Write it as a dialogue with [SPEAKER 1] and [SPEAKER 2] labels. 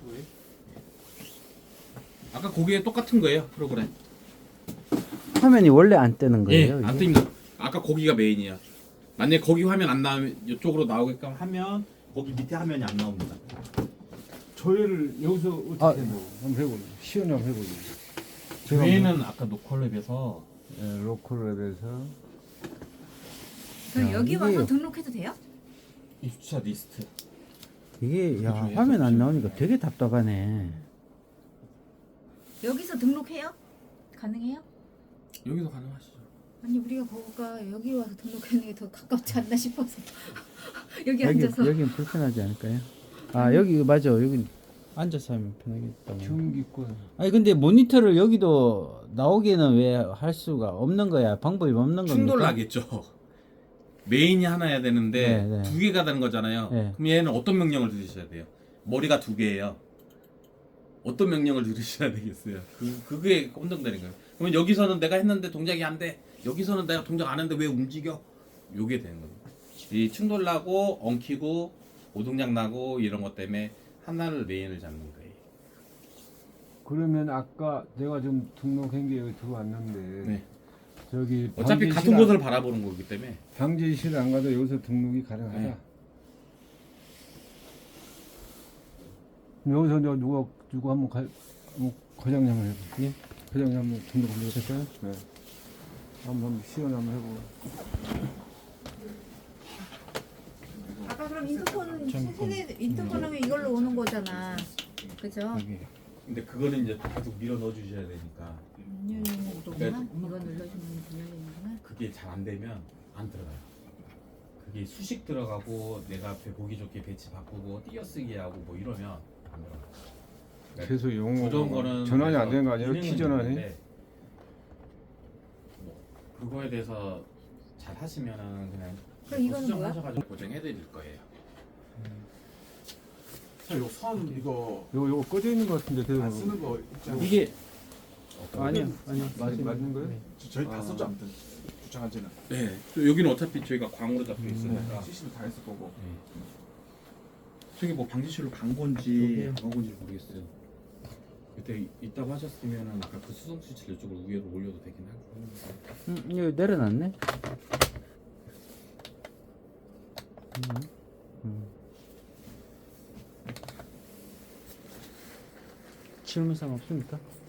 [SPEAKER 1] 거예요?
[SPEAKER 2] 아까 거기에 똑같은 거예요 프로그램.
[SPEAKER 3] 화면이 원래 안 뜨는
[SPEAKER 2] 예,
[SPEAKER 3] 거예요?
[SPEAKER 2] 안
[SPEAKER 3] 이게?
[SPEAKER 2] 뜹니다. 아까 거기가 메인이야. 만약에 거기 화면 안 나오면 이쪽으로 나오게끔 하면 거기 밑에 화면이 안 나옵니다.
[SPEAKER 1] 조회를 여기서 어떻게
[SPEAKER 3] 아.
[SPEAKER 1] 한번 해볼래? 시연을 한번 해볼래?
[SPEAKER 2] 저희는 아까 노컬랩에서
[SPEAKER 1] 예, 로컬랩에서
[SPEAKER 4] 그럼
[SPEAKER 3] 야,
[SPEAKER 4] 여기
[SPEAKER 3] 이게-
[SPEAKER 4] 와서 등록해도 돼요?
[SPEAKER 2] 입주차 리스트.
[SPEAKER 3] 이게 야
[SPEAKER 2] 그중에
[SPEAKER 3] 화면 안
[SPEAKER 2] 섭취.
[SPEAKER 3] 나오니까 되게 답답하네.
[SPEAKER 4] 여기서 등록해요? 가능해요?
[SPEAKER 2] 여기서 가능하시죠.
[SPEAKER 4] 아니 우리가 거기가 여기 와서 등록하는 게 더 가깝지 않나 싶어서 여기 앉아서
[SPEAKER 3] 여기는 불편하지 않을까요? 아 여기 맞아 여기 앉아서 하면 편하겠다.
[SPEAKER 1] 경기권
[SPEAKER 3] 아니 근데 모니터를 여기도 나오기는 왜 할 수가 없는 거야? 방법이 없는 겁니까?
[SPEAKER 2] 충돌 나겠죠. 메인이 하나야 되는데
[SPEAKER 3] 네, 네.
[SPEAKER 2] 두 개가 되는 거잖아요.
[SPEAKER 3] 네.
[SPEAKER 2] 그럼 얘는 어떤 명령을 들으셔야 돼요? 머리가 두 개예요. 어떤 명령을 들으셔야 되겠어요? 그게 혼동되는 거예요. 그러면 여기서는 내가 했는데 동작이 안 돼. 여기서는 내가 동작 안 했는데 왜 움직여? 요게 되는 겁니다. 이 충돌 나고 엉키고 오동작 나고 이런 것 때문에 하나를 메인을 잡는 거예요.
[SPEAKER 1] 그러면 아까 내가 좀 등록한 게 여기 들어왔는데
[SPEAKER 2] 네.
[SPEAKER 1] 저기
[SPEAKER 2] 어차피 같은 곳을 바라보는 거기 때문에
[SPEAKER 1] 방제실 안 가도 여기서 등록이 가능하다.
[SPEAKER 2] 네.
[SPEAKER 1] 여기서 저 누가 한번 과장님 한번 해봐.
[SPEAKER 3] 예?
[SPEAKER 1] 과장님 한번 등록 한번 해볼까요? 네. 한번 시연 한번 해보고.
[SPEAKER 4] 아까 그럼 인터폰 세대 인터폰 하면 이걸로 오는 거잖아. 그죠?
[SPEAKER 1] 여기.
[SPEAKER 2] 근데 그거는 이제 계속 밀어 넣어 주셔야 되니까
[SPEAKER 4] 문 열리는 거구나. 이거 눌러주면 문 열리는구나.
[SPEAKER 2] 그게 잘 안 되면 안 들어가요. 그게 수식 들어가고 내가 보기 좋게 배치 바꾸고 띄어쓰기 하고 뭐 이러면 안 들어가요. 그러니까
[SPEAKER 1] 계속 용어
[SPEAKER 2] 부드러운 거는
[SPEAKER 1] 전환이 안 되는 거 아니에요?
[SPEAKER 2] 기능은
[SPEAKER 1] 키 전환이?
[SPEAKER 2] 있는데 뭐 그거에 대해서 잘 하시면은 그냥
[SPEAKER 4] 그럼 이거는 뭐야?
[SPEAKER 2] 수정하셔가지고 고정해 드릴 거예요.
[SPEAKER 5] 요선 이거
[SPEAKER 1] 요거 꺼져 있는 거 같은데 계속
[SPEAKER 5] 안 쓰는 거 있잖아요.
[SPEAKER 3] 이게
[SPEAKER 2] 어떤
[SPEAKER 3] 아니요 아니요
[SPEAKER 1] 맞는 거예요?
[SPEAKER 3] 네.
[SPEAKER 5] 저희 다 썼죠 아무튼 주창한 지는
[SPEAKER 2] 네, 또 여기는 어차피 저희가 광으로 잡혀 있으니까
[SPEAKER 5] CC도 다 했을 거고.
[SPEAKER 2] 네. 저기 뭐 방지실로 간 건지
[SPEAKER 3] 여기요.
[SPEAKER 2] 안 간 건지 모르겠어요. 그때 있다고 하셨으면은 아까 그 수동 스위치를 이쪽으로 위로 올려도 되긴 하고.
[SPEAKER 3] 이거 내려놨네. 질문사항 없습니까?